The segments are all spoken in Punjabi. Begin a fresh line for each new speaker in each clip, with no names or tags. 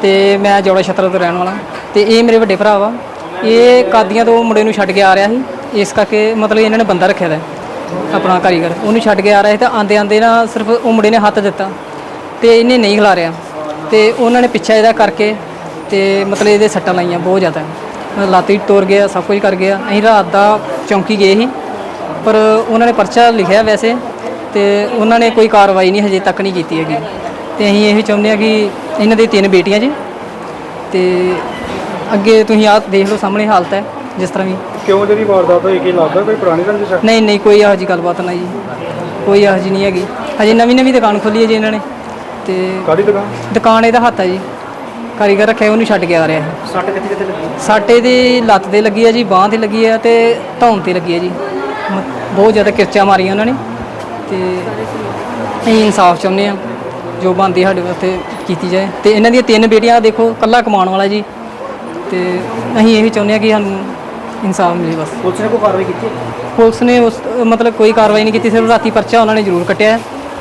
ਤੇ ਮੈਂ ਜੋੜਾ ਛਤਰਾ ਤੋਂ ਰਹਿਣ ਵਾਲਾ ਤੇ ਇਹ ਮੇਰੇ ਵੱਡੇ ਭਰਾ ਵਾ। ਇਹ ਕਾਦੀਆਂ ਤੋਂ ਮੁੰਡੇ ਨੂੰ ਛੱਡ ਕੇ ਆ ਰਿਹਾ ਸੀ, ਇਸ ਕਰਕੇ ਮਤਲਬ ਇਹਨਾਂ ਨੇ ਬੰਦਾ ਰੱਖਿਆ ਦਾ ਆਪਣਾ ਕਾਰੀਗਰ, ਉਹਨੂੰ ਛੱਡ ਕੇ ਆ ਰਿਹਾ ਸੀ। ਤਾਂ ਆਂਦੇ ਆਂਦੇ ਨਾ ਸਿਰਫ ਉਹ ਮੁੰਡੇ ਨੇ ਹੱਥ ਦਿੱਤਾ ਤੇ ਇਹਨੇ ਨਹੀਂ ਖਿਲਾਰਿਆ ਤੇ ਉਹਨਾਂ ਨੇ ਪਿੱਛਾ ਇਹਦਾ ਕਰਕੇ ਤੇ ਮਤਲਬ ਇਹਦੇ ਸੱਟਾਂ ਲਾਈਆਂ ਬਹੁਤ ਜ਼ਿਆਦਾ, ਲੱਤ ਵੀ ਤੋੜ ਗਿਆ, ਸਭ ਕੁਝ ਕਰ ਗਿਆ। ਅਸੀਂ ਰਾਤ ਦਾ ਚੌਂਕੀ ਗਏ ਸੀ, ਪਰ ਉਹਨਾਂ ਨੇ ਪਰਚਾ ਲਿਖਿਆ ਵੈਸੇ ਤੇ ਉਹਨਾਂ ਨੇ ਕੋਈ ਕਾਰਵਾਈ ਨਹੀਂ ਹਜੇ ਤੱਕ ਨਹੀਂ ਕੀਤੀ ਹੈਗੀ। ਤੇ ਅਸੀਂ ਇਹ ਚਾਹੁੰਦੇ ਹਾਂ ਕਿ ਇਹਨਾਂ ਦੀ 3 ਬੇਟੀਆਂ ਜੀ ਤੇ ਅੱਗੇ ਤੁਸੀਂ ਆਹ ਦੇਖ ਲਓ ਸਾਹਮਣੇ ਹਾਲਤ ਹੈ ਜਿਸ ਤਰ੍ਹਾਂ ਵੀ।
ਕਿਉਂ ਜਿਹੜੀ ਵਾਰਦਾਤ ਹੋਈ, ਕੀ ਲੱਗਦਾ ਕੋਈ ਪੁਰਾਣੀ ਰੰਜਿਸ਼ ਹੈ?
ਨਹੀਂ ਕੋਈ ਇਹੋ ਜਿਹੀ ਗੱਲਬਾਤ ਨਹੀਂ ਜੀ, ਕੋਈ ਇਹੋ ਜਿਹੀ ਨਹੀਂ ਹੈਗੀ। ਹਜੇ ਨਵੀਂ ਦੁਕਾਨ ਖੋਲੀ ਹੈ ਜੀ ਇਹਨਾਂ ਨੇ। ਤੇ
ਕਾਹਦੀ ਦੁਕਾਨ?
ਦੁਕਾਨ ਇਹਦਾ ਹੱਥ ਹੈ ਜੀ, ਕਾਰੀਗਰ ਰੱਖਿਆ, ਉਹਨੂੰ ਛੱਡ ਕੇ ਆ ਰਿਹਾ ਹੈ।
ਸੱਟ ਕਿੱਥੇ ਕਿੱਥੇ ਲੱਗੀ?
ਸੱਟ ਇਹਦੀ ਲੱਤ 'ਤੇ ਲੱਗੀ ਹੈ ਜੀ, ਬਾਂਹ 'ਤੇ ਲੱਗੀ ਹੈ ਤੇ ਧੌਣ 'ਤੇ ਲੱਗੀ ਹੈ ਜੀ। ਬਹੁਤ ਜ਼ਿਆਦਾ ਕਿਰਚਾਂ ਮਾਰੀਆਂ ਉਹਨਾਂ ਨੇ ਤੇ ਅਸੀਂ ਇਨਸਾਫ ਚਾਹੁੰਦੇ ਹਾਂ, ਜੋ ਬਣਦੀ ਸਾਡੇ ਵਾਸਤੇ ਕੀਤੀ ਜਾਏ। ਤੇ ਇਹਨਾਂ ਦੀਆਂ 3 ਬੇਟੀਆਂ ਦੇਖੋ, ਇਕੱਲਾ ਕਮਾਉਣ ਵਾਲਾ ਜੀ। ਤੇ ਅਸੀਂ ਇਹ ਚਾਹੁੰਦੇ ਹਾਂ ਕਿ ਸਾਨੂੰ ਇਨਸਾਫ ਮਿਲੇ ਬਸ।
ਪੁਲਿਸ ਨੇ ਕੋਈ ਕਾਰਵਾਈ ਕੀਤੀ?
ਪੁਲਿਸ ਨੇ ਉਸ ਮਤਲਬ ਕੋਈ ਕਾਰਵਾਈ ਨਹੀਂ ਕੀਤੀ, ਸਿਰਫ ਰਾਤੀ ਪਰਚਾ ਉਹਨਾਂ ਨੇ ਜ਼ਰੂਰ ਕੱਟਿਆ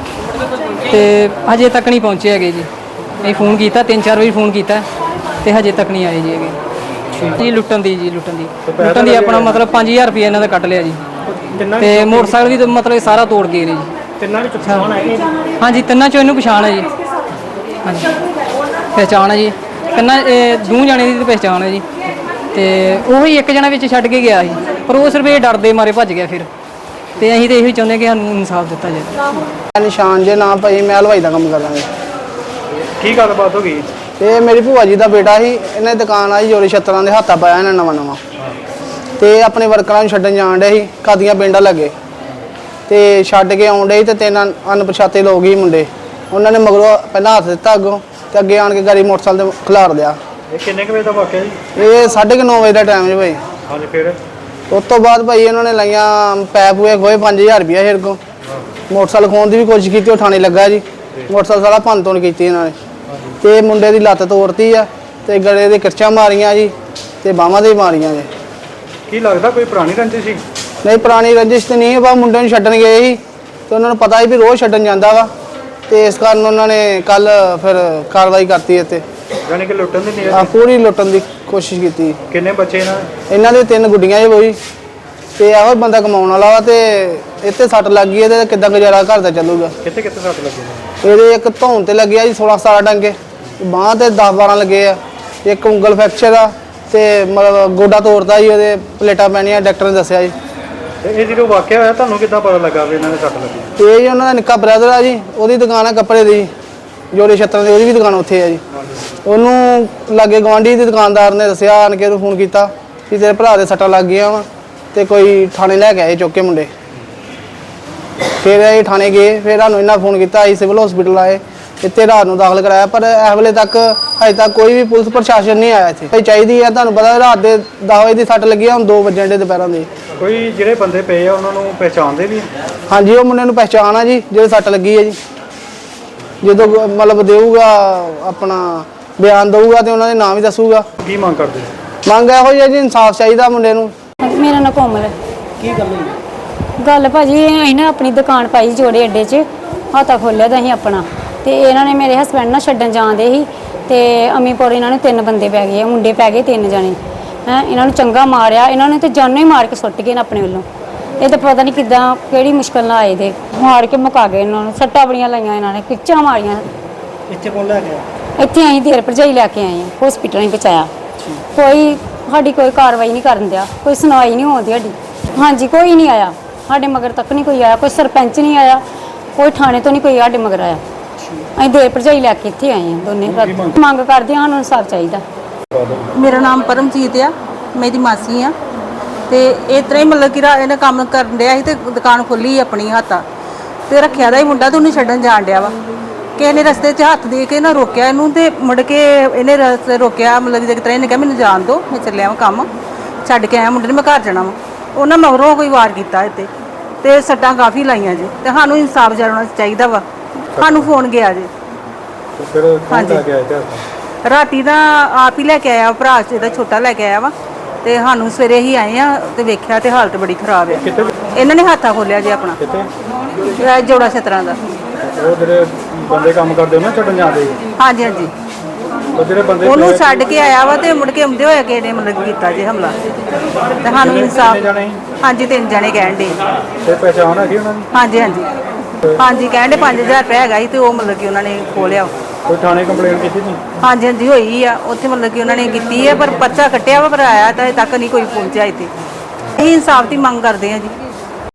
ਤੇ ਹਜੇ ਤੱਕ ਨਹੀਂ ਪਹੁੰਚੇ ਹੈਗੇ ਜੀ। ਅਸੀਂ ਫੋਨ ਕੀਤਾ 3-4 ਵਾਰੀ ਫੋਨ ਕੀਤਾ ਤੇ ਹਜੇ ਤੱਕ ਨਹੀਂ ਆਏ ਜੀ ਹੈਗੇ ਜੀ। ਲੁੱਟਣ ਦੀ ਆਪਣਾ ਮਤਲਬ 5000 ਰੁਪਏ ਇਹਨਾਂ ਦਾ ਕੱਟ ਲਿਆ ਜੀ। ਤੇ ਮੋਟਰਸਾਈਕਲ ਵੀ ਮਤਲਬ ਸਾਰਾ ਤੋੜ ਗਏ ਨੇ ਜੀ।
ਤਿੰਨਾਂ ਵਿੱਚ ਪਛਾਣ ਆਈ?
ਹਾਂਜੀ, ਤਿੰਨਾਂ ਚੋਂ ਇਹਨੂੰ ਪਛਾਣ ਹੈ ਜੀ। ਹਾਂਜੀ, ਪਹਿਚਾਣ ਹੈ ਜੀ ਤਿੰਨਾਂ, ਦੋ ਜਾਣੇ ਦੀ ਪਹਿਚਾਣ ਹੈ ਜੀ। ਤੇ ਉਹੀ ਇੱਕ ਜਣਾ ਵਿੱਚ ਛੱਡ ਕੇ ਗਿਆ ਸੀ, ਪਰ ਉਹ ਸਿਰਫ ਇਹ ਡਰਦੇ ਮਾਰੇ ਭੱਜ ਗਿਆ ਫਿਰ। ਤੇ ਅਸੀਂ ਤਾਂ ਇਹੀ ਚਾਹੁੰਦੇ ਕਿ ਸਾਨੂੰ ਇਨਸਾਫ ਦਿੱਤਾ ਜਾਏ।
ਨਿਸ਼ਾਨ ਜੇ ਨਾ ਭਾਈ, ਮੈਂ ਹਲਵਾਈ ਦਾ ਕੰਮ ਕਰਦਾ ਜੀ।
ਕੀ ਗੱਲਬਾਤ ਹੋ ਗਈ?
ਇਹ ਮੇਰੀ ਭੂਆ ਜੀ ਦਾ ਬੇਟਾ ਸੀ, ਇਹਨੇ ਦੁਕਾਨ ਆਈ ਜੋੜੇ ਛੱਤਰਾਂ ਦੇ ਹੱਥਾਂ ਪਾਇਆ ਇਹਨਾਂ ਨਵਾਂ ਤੇ ਆਪਣੇ ਵਰਕਰਾਂ ਨੂੰ ਛੱਡਣ ਜਾਣ ਡੇ ਸੀ, ਕਾਦੀਆਂ ਪਿੰਡਾਂ ਲੱਗੇ ਤੇ ਛੱਡ ਕੇ ਆਉਣ ਡੇ ਤੇ 3 ਅਣਪਛਾਤੇ ਲੋਕ ਹੀ ਮੁੰਡੇ, ਉਹਨਾਂ ਨੇ ਮਗਰੋਂ ਪਹਿਲਾਂ ਹੱਥ ਦਿੱਤਾ ਅੱਗੋਂ ਤੇ ਅੱਗੇ ਆਣ ਕੇ ਗਾੜੀ ਮੋਟਰਸਾਈਕਲ ਤੇ ਖਿਲਾਰ ਦਿਆ।
ਇਹ ਕਿੰਨੇ ਕੁ ਵਜੇ ਦਾ ਵਾਕਿਆ ਜੀ?
ਇਹ 9:30 ਵਜੇ ਦਾ ਟਾਈਮ ਜੀ ਭਾਈ।
ਹਾਂਜੀ, ਫਿਰ
ਉਸ ਤੋਂ ਬਾਅਦ ਭਾਈ ਇਹਨਾਂ ਨੇ ਲਾਈਆਂ ਪੈਪ ਹੋਏ ਖੋਏ 5000 ਰੁਪਇਆ ਮੇਰੇ ਕੋਲ। ਮੋਟਰਸਾਈਕਲ ਖੋਣ ਦੀ ਵੀ ਕੋਸ਼ਿਸ਼ ਕੀਤੀ, ਉਹ ਥਾਣੇ ਲੱਗਾ ਜੀ। ਮੋਟਰਸਾਈਕਲ ਸਾਰਾ ਭੰਨ ਤੋੜ ਕੀਤੀ ਇਹਨਾਂ ਨੇ ਤੇ ਮੁੰਡੇ ਦੀ ਲੱਤ ਤੋੜਤੀ ਆ ਤੇ ਗਲੇ ਦੇ ਕਿਰਚਾਂ ਮਾਰੀਆਂ ਜੀ ਤੇ ਬਾਹਾਂ ਦੇ ਮਾਰੀਆਂ ਜੀ।
ਕੀ ਲੱਗਦਾ ਕੋਈ ਪੁਰਾਣੀ ਰੰਜਿਸ਼ ਸੀ?
ਨਹੀਂ, ਪੁਰਾਣੀ ਰੰਜਿਸ਼ ਤੇ ਨਹੀਂ, ਬਸ ਮੁੰਡੇ ਨੂੰ ਛੱਡਣ ਗਏ ਸੀ ਤੇ ਉਹਨਾਂ ਨੂੰ ਪਤਾ ਸੀ ਵੀ ਰੋਜ਼ ਛੱਡਣ ਜਾਂਦਾ ਵਾ ਤੇ ਇਸ ਕਾਰਨ ਉਹਨਾਂ ਨੇ ਕੱਲ ਫਿਰ ਕਾਰਵਾਈ ਕਰਤੀ ਇੱਥੇ।
ਯਾਨੀ ਕਿ ਲੁੱਟਣ ਦੀ ਨੀਅਤ?
ਪੂਰੀ ਲੁੱਟਣ ਦੀ ਕੋਸ਼ਿਸ਼ ਕੀਤੀ।
ਕਿੰਨੇ ਬੱਚੇ
ਇਹਨਾਂ ਦੇ 3 ਗੁੱਡੀਆਂ ਜੀ ਬੋਈ ਤੇ ਇਹੋ ਬੰਦਾ ਕਮਾਉਣ ਵਾਲਾ ਵਾ ਤੇ ਇੱਥੇ ਸੱਟ ਲੱਗ ਗਈ ਤੇ ਕਿੱਦਾਂ ਗੁਜ਼ਾਰਾ ਘਰ ਦਾ ਚੱਲੂਗਾ?
ਕਿੱਥੇ ਕਿੱਥੇ ਸੱਟ ਲੱਗੀ?
ਇਹਦੇ ਇੱਕ ਧੌਣ ਤੇ ਲੱਗਿਆ ਜੀ 16-17 ਡੰਗੇ, ਬਾਂਹ ਤੇ 10-12 ਲੱਗੇ ਆ, ਇੱਕ ਉਂਗਲ ਫ੍ਰੈਕਚਰ ਆ ਤੇ ਮਤਲਬ ਗੋਡਾ ਤੋੜਦਾ ਜੀ, ਉਹਦੇ ਪਲੇਟਾਂ ਪੈਣੀਆਂ, ਡਾਕਟਰ ਨੇ ਦੱਸਿਆ ਜੀ।
ਤੇ ਇਹ ਜਦੋਂ ਵਾਕਿਆ ਹੋਇਆ ਤੁਹਾਨੂੰ ਕਿੱਦਾਂ ਪਤਾ ਲੱਗਾ ਵੀ ਇਹਨਾਂ ਦੇ ਸੱਟ ਲੱਗੀ?
ਇਹ ਜੀ ਉਹਨਾਂ ਦਾ ਨਿੱਕਾ ਬ੍ਰਦਰ ਆ ਜੀ, ਉਹਦੀ ਦੁਕਾਨ ਆ ਕੱਪੜੇ ਦੀ ਜੋੜੇ ਛੱਤਰਾਂ ਦੀ, ਉਹਦੀ ਵੀ ਦੁਕਾਨ ਉੱਥੇ ਆ ਜੀ। ਉਹਨੂੰ ਲਾਗੇ ਗਵਾਂਢੀ ਦੀ ਦੁਕਾਨਦਾਰ ਨੇ ਦੱਸਿਆ, ਆਣ ਕੇ ਉਹਨੂੰ ਫੋਨ ਕੀਤਾ ਕਿ ਤੇਰੇ ਭਰਾ ਦੇ ਸੱਟਾਂ ਲੱਗ ਗਈਆਂ ਵਾ ਤੇ ਕੋਈ ਥਾਣੇ ਲੈ ਕੇ ਆਏ ਚੁੱਕ ਕੇ ਮੁੰਡੇ। ਫਿਰ ਅਸੀਂ ਥਾਣੇ ਗਏ, ਫਿਰ ਸਾਨੂੰ ਇਹਨਾਂ ਫੋਨ ਕੀਤਾ, ਅਸੀਂ ਸਿਵਲ ਹਸਪੀਟਲ ਆਏ, ਇੱਥੇ ਰਾਤ ਨੂੰ ਦਾਖਲ ਕਰਾਇਆ, ਪਰ ਇਸ ਵੇਲੇ ਤੱਕ ਅਜੇ ਤੱਕ ਕੋਈ ਵੀ ਪੁਲਿਸ ਪ੍ਰਸ਼ਾਸਨ ਨਹੀਂ ਆਇਆ ਇੱਥੇ। ਚਾਹੀਦੀ ਹੈ, ਤੁਹਾਨੂੰ ਪਤਾ ਰਾਤ ਦੇ 10 ਵਜੇ ਦੀ ਸੱਟ ਲੱਗੀ ਆ, ਹੁਣ 2 ਵਜੇ ਦੇ ਦੁਪਹਿਰਾਂ ਦੇ।
ਕੋਈ ਜਿਹੜੇ ਬੰਦੇ ਪਏ ਆ ਉਹਨਾਂ ਨੂੰ ਪਹਿਚਾਣਦੇ ਵੀ?
ਹਾਂਜੀ, ਉਹ ਮੁੰਡੇ ਨੂੰ ਪਹਿਚਾਣ ਆ ਜੀ, ਜਿਹੜੇ ਸੱਟ ਲੱਗੀ ਹੈ ਜੀ। ਜਦੋਂ ਮਤਲਬ ਦੇਊਗਾ ਆਪਣਾ ਬਿਆਨ ਦਊਗਾ ਤੇ ਉਹਨਾਂ ਦੇ ਨਾਮ ਵੀ ਦੱਸੂਗਾ।
ਕੀ ਮੰਗ ਕਰਦੇ?
ਮੰਗ ਇਹੋ ਹੀ ਹੈ ਜੀ, ਇਨਸਾਫ ਚਾਹੀਦਾ ਮੁੰਡੇ ਨੂੰ।
ਮੇਰਾ ਨਾਂ ਕੋਮਲ ਹੈ।
ਕੀ ਗੱਲ ਹੋਈ?
ਗੱਲ ਭਾਜੀ ਅਸੀਂ ਨਾ ਆਪਣੀ ਦੁਕਾਨ ਪਾਈ ਜੋੜੇ ਅੱਡੇ 'ਚ, ਹਾਤਾ ਖੋਲ੍ਹਿਆ ਤਾਂ ਅਸੀਂ ਆਪਣਾ ਤੇ ਇਹਨਾਂ ਨੇ ਮੇਰੇ ਹਸਬੈਂਡ ਨਾਲ ਛੱਡਣ ਜਾਂਦੇ ਸੀ ਤੇ ਅਮੀਪੁਰ ਇਹਨਾਂ ਨੂੰ 3 ਬੰਦੇ ਪੈ ਗਏ, ਮੁੰਡੇ ਪੈ ਗਏ 3 ਜਣੇ ਹੈ। ਇਹਨਾਂ ਨੂੰ ਚੰਗਾ ਮਾਰਿਆ, ਇਹਨਾਂ ਨੇ ਤੇ ਜਾਨੋਂ ਹੀ ਮਾਰ ਕੇ ਸੁੱਟ ਗਏ ਨੇ ਆਪਣੇ ਵੱਲੋਂ। ਇਹ ਤਾਂ ਪਤਾ ਨਹੀਂ ਕਿੱਦਾਂ ਕਿਹੜੀ ਮੁਸ਼ਕਲ ਨਾਲ ਆਏ ਦੇ, ਮਾਰ ਕੇ ਮੁਕਾ ਗਏ ਇਹਨਾਂ ਨੂੰ। ਸੱਟਾਂ ਬੜੀਆਂ ਲਾਈਆਂ ਇਹਨਾਂ ਨੇ, ਕਿੱਚਾਂ ਮਾਰੀਆਂ।
ਇੱਥੇ ਕੌਣ ਲੈ ਗਿਆ?
ਇੱਥੇ ਅਸੀਂ ਦੇਰ ਭਰਜਾਈ ਲੈ ਕੇ ਆਏ ਹਾਂ, ਹਸਪੀਟਲ ਹੀ ਪਹੁੰਚਾਇਆ। ਕੋਈ ਸਾਡੀ ਕੋਈ ਕਾਰਵਾਈ ਨਹੀਂ ਕਰਨ ਦਿਆ, ਕੋਈ ਸੁਣਵਾਈ ਨਹੀਂ ਹੋਉਂਦੀ ਸਾਡੀ। ਹਾਂਜੀ, ਕੋਈ ਨਹੀਂ ਆਇਆ ਸਾਡੇ ਮਗਰ ਤੱਕ, ਨਹੀਂ ਕੋਈ ਆਇਆ, ਕੋਈ ਸਰਪੰਚ ਨਹੀਂ ਆਇਆ, ਕੋਈ ਥਾਣੇ ਤੋਂ ਨਹੀਂ ਕੋਈ ਸਾਡੇ ਮਗਰ ਆਇਆ। ਅਸੀਂ ਦੇਰ ਭਰਜਾਈ ਲੈ ਕੇ ਇੱਥੇ ਆਏ ਹਾਂ ਦੋਨੇ। ਮੰਗ ਕਰਦੇ ਹਾਂ, ਸਾਨੂੰ ਇਨਸਾਫ ਚਾਹੀਦਾ।
ਮੇਰਾ ਨਾਮ ਪਰਮਜੀਤ ਆ, ਮੇਰੀ ਮਾਸੀ ਆ ਤੇ ਇਸ ਤਰ੍ਹਾਂ ਹੀ ਮਤਲਬ ਕਿ ਇਹਨੇ ਕੰਮ ਕਰਨ ਡਿਆ ਸੀ ਤੇ ਦੁਕਾਨ ਖੋਲੀ ਆਪਣੀ ਹੱਥਾਂ ਤੇ ਰੱਖਿਆ ਦਾ ਹੀ ਮੁੰਡਾ ਤੇ ਉਹਨੂੰ ਛੱਡਣ ਜਾਣ ਡਿਆ ਵਾ। ਕਿਸੇ ਨੇ ਰਸਤੇ 'ਚ ਹੱਥ ਦੇ ਕੇ ਨਾ ਰੋਕਿਆ ਇਹਨੂੰ ਤੇ ਮੁੜ ਕੇ ਇਹਨੇ ਰਸਤੇ ਰੋਕਿਆ, ਮਤਲਬ ਜਿਸ ਤਰ੍ਹਾਂ ਇਹਨੇ ਕਿਹਾ ਮੈਨੂੰ ਜਾਣ ਦਿਓ, ਮੈਂ ਚੱਲਿਆ ਵਾਂ ਕੰਮ ਛੱਡ ਕੇ ਆਇਆ ਮੁੰਡੇ ਨੇ, ਮੈਂ ਘਰ ਜਾਣਾ ਵਾ। ਉਹਨਾਂ ਮਗਰੋਂ ਕੋਈ ਵਾਰ ਕੀਤਾ ਇੱਥੇ ਤੇ ਸੱਟਾਂ ਕਾਫੀ ਲਾਈਆਂ ਜੀ ਤੇ ਸਾਨੂੰ ਇਨਸਾਫ ਜਰਨਾ ਚਾਹੀਦਾ ਵਾ। ਸਾਨੂੰ ਫੋਨ ਗਿਆ ਜੀ।
ਫਿਰ ਕੌਣ ਲੈ ਕੇ ਆਇਆ ਤੇ?
ਰਾਤੀ ਦਾ ਆਪ ਹੀ ਲੈ ਕੇ ਆਇਆ, ਭਰਾ ਇਹਦਾ ਛੋਟਾ ਲੈ ਕੇ ਆਇਆ ਵਾ ਤੇ ਸਾਨੂੰ ਸਵੇਰੇ ਹੀ ਆਏ ਆ ਤੇ ਵੇਖਿਆ ਤੇ ਹਾਲਤ ਬੜੀ ਖਰਾਬ ਆ। ਇਹਨਾਂ ਨੇ ਹੱਥਾਂ ਖੋਲਿਆ ਜੀ ਆਪਣਾ।
ਕਿੱਥੇ?
ਜੋੜਾ ਛਤਰਾਂ ਦਾ।
ਉਹ ਜਿਹੜੇ ਬੰਦੇ ਕੰਮ ਕਰਦੇ ਉਹਨਾਂ ਛੱਡਣ ਜਾਂਦੇ?
ਹਾਂਜੀ ਹਾਂਜੀ।
ਉਹ ਜਿਹੜੇ ਬੰਦੇ
ਉਹਨੂੰ ਛੱਡ ਕੇ ਆਇਆ ਵਾ ਤੇ ਮੁੜ ਕੇ ਆਉਂਦੇ ਹੋਏ ਕਿਸੇ ਨੇ ਮਤਲਬ ਕਿ ਕੀਤਾ ਜੇ ਹਮਲਾ ਤੇ ਸਾਨੂੰ ਇਨਸਾਫ
ਕਿੰਨੇ ਜਾਣੇ ਸੀ?
ਹਾਂਜੀ 3 ਜਣੇ ਕਹਿਣ ਦੇ
ਤੇ ਪਹਿਚਾਣ ਹੈਗੀ ਉਹਨਾਂ ਦੀ?
ਹਾਂਜੀ ਹਾਂਜੀ ਹਾਂਜੀ ਕਹਿਣ ਦੇ 5000 ਰੁਪਏ ਹੈਗਾ ਸੀ ਤੇ ਉਹ ਮਤਲਬ ਕਿ ਉਹਨਾਂ ਨੇ ਖੋਲਿਆ
ਕੋਈ ਥਾਣੇ ਕੰਪਲੇਂਟ ਕੀਤੀ ਸੀ?
ਹਾਂਜੀ ਹਾਂਜੀ ਹੋਈ ਆ ਉੱਥੇ ਮਤਲਬ ਕਿ ਉਹਨਾਂ ਨੇ ਕੀਤੀ ਹੈ ਪਰ ਪਰਚਾ ਕੱਟਿਆ ਵਾ ਪਰ ਆਇਆ ਤਾਂ ਅਜੇ ਤੱਕ ਨਹੀਂ ਕੋਈ ਪਹੁੰਚਿਆ ਇੱਥੇ ਅਸੀਂ ਇਨਸਾਫ ਦੀ ਮੰਗ ਕਰਦੇ ਹਾਂ ਜੀ